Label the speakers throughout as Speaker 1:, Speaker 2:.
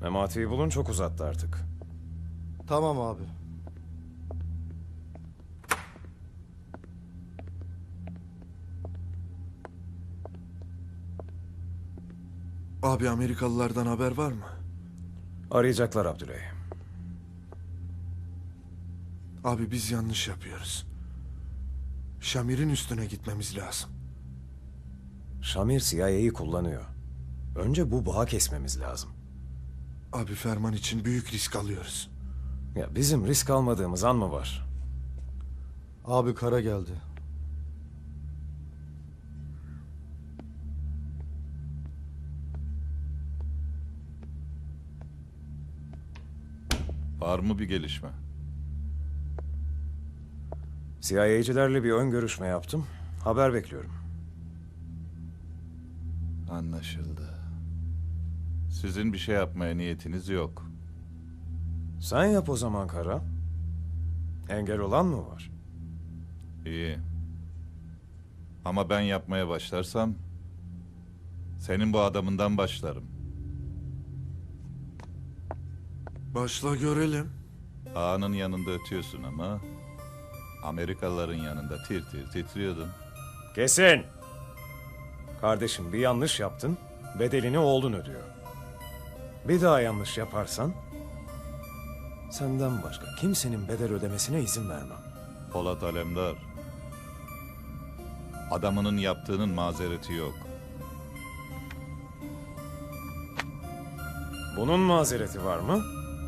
Speaker 1: Memati'yi bulun, çok uzattı artık.
Speaker 2: Tamam abi.
Speaker 3: Abi Amerikalılardan haber var mı?
Speaker 1: Arayacaklar Abdüley.
Speaker 3: Abi biz yanlış yapıyoruz. Şamir'in üstüne gitmemiz lazım.
Speaker 1: Şamir CIA'yı kullanıyor. Önce bu bağı kesmemiz lazım.
Speaker 3: Abi Ferman için büyük risk alıyoruz.
Speaker 1: Ya bizim risk almadığımız an mı var?
Speaker 2: Abi kara geldi.
Speaker 4: Var mı bir gelişme?
Speaker 1: CIA'cilerle bir ön görüşme yaptım. Haber bekliyorum.
Speaker 4: Anlaşıldı. Sizin bir şey yapmaya niyetiniz yok.
Speaker 1: Sen yap o zaman Kara. Engel olan mı var?
Speaker 4: İyi. Ama ben yapmaya başlarsam... senin bu adamından başlarım.
Speaker 3: Başla görelim.
Speaker 4: Ağanın yanında ötüyorsun ama... Amerikalıların yanında tir tir titriyordun.
Speaker 1: Kesin! Kardeşim bir yanlış yaptın, bedelini oğlun ödüyor. Bir daha yanlış yaparsan... senden başka kimsenin bedel ödemesine izin vermem.
Speaker 4: Polat Alemdar. Adamının yaptığının mazereti yok.
Speaker 1: Bunun mazereti var mı?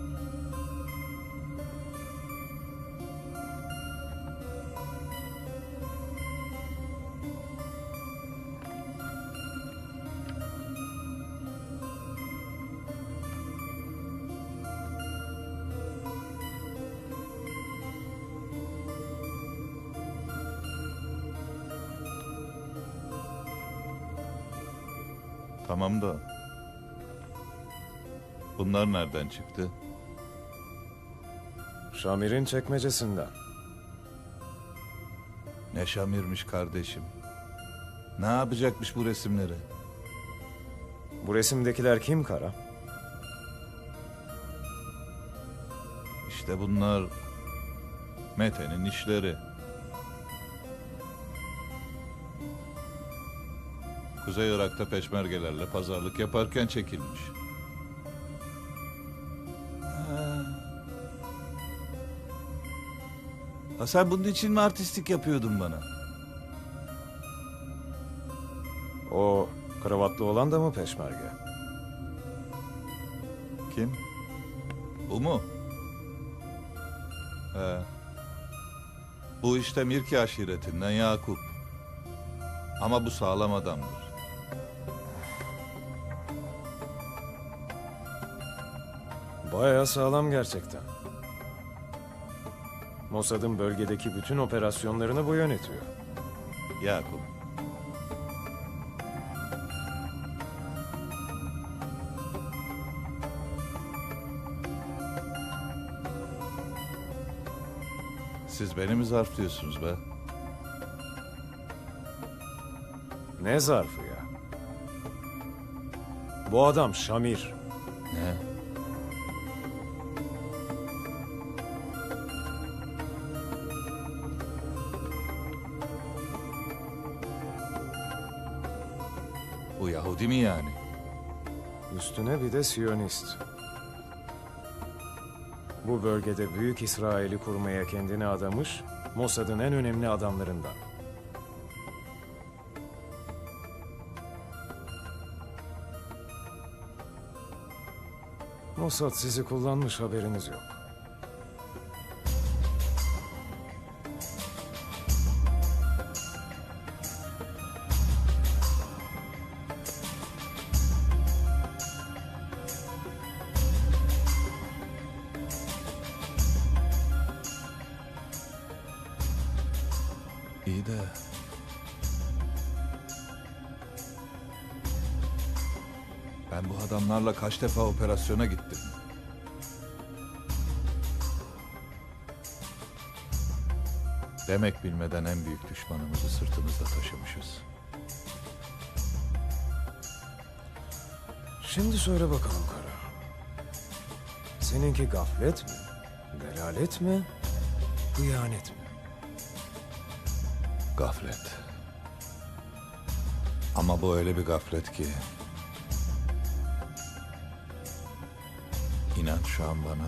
Speaker 4: Tamam da... bunlar nereden çıktı?
Speaker 1: Şamir'in çekmecesinden.
Speaker 4: Ne Şamir'miş kardeşim. Ne yapacakmış bu resimleri?
Speaker 1: Bu resimdekiler kim Kara?
Speaker 4: İşte bunlar... Mete'nin işleri. Kuzey Irak'ta peşmergelerle pazarlık yaparken çekilmiş. Ha, sen bunun için mi artistlik yapıyordun bana?
Speaker 1: O kravatlı olan da mı peşmerge?
Speaker 4: Kim? Bu mu? He. Bu işte Mirki aşiretinden Yakup. Ama bu sağlam adamdır.
Speaker 1: Bayağı sağlam gerçekten. Mossad'ın bölgedeki bütün operasyonlarını bu yönetiyor.
Speaker 4: Yakup. Siz beni mi zarflıyorsunuz be?
Speaker 1: Ne zarfı ya? Bu adam Şamir.
Speaker 4: Ne? Bu Yahudi mi yani?
Speaker 1: Üstüne bir de Siyonist. Bu bölgede Büyük İsrail'i kurmaya kendini adamış, Mossad'ın en önemli adamlarından. Mossad sizi kullanmış, haberiniz yok.
Speaker 4: İyi de... ben bu adamlarla kaç defa operasyona gittim. Demek bilmeden en büyük düşmanımızı sırtımızda taşımışız.
Speaker 1: Şimdi söyle bakalım Kara. Seninki gaflet mi? Delalet mi? Hıyanet mi?
Speaker 4: Gaflet. Ama bu öyle bir gaflet ki... İnan şu an bana...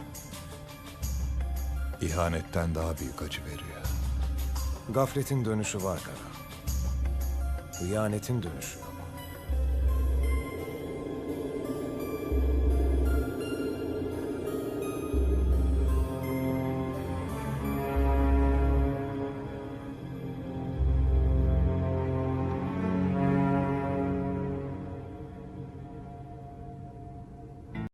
Speaker 4: ihanetten daha büyük acı veriyor.
Speaker 1: Gafletin dönüşü var Kara. Hıyanetin dönüşü yok.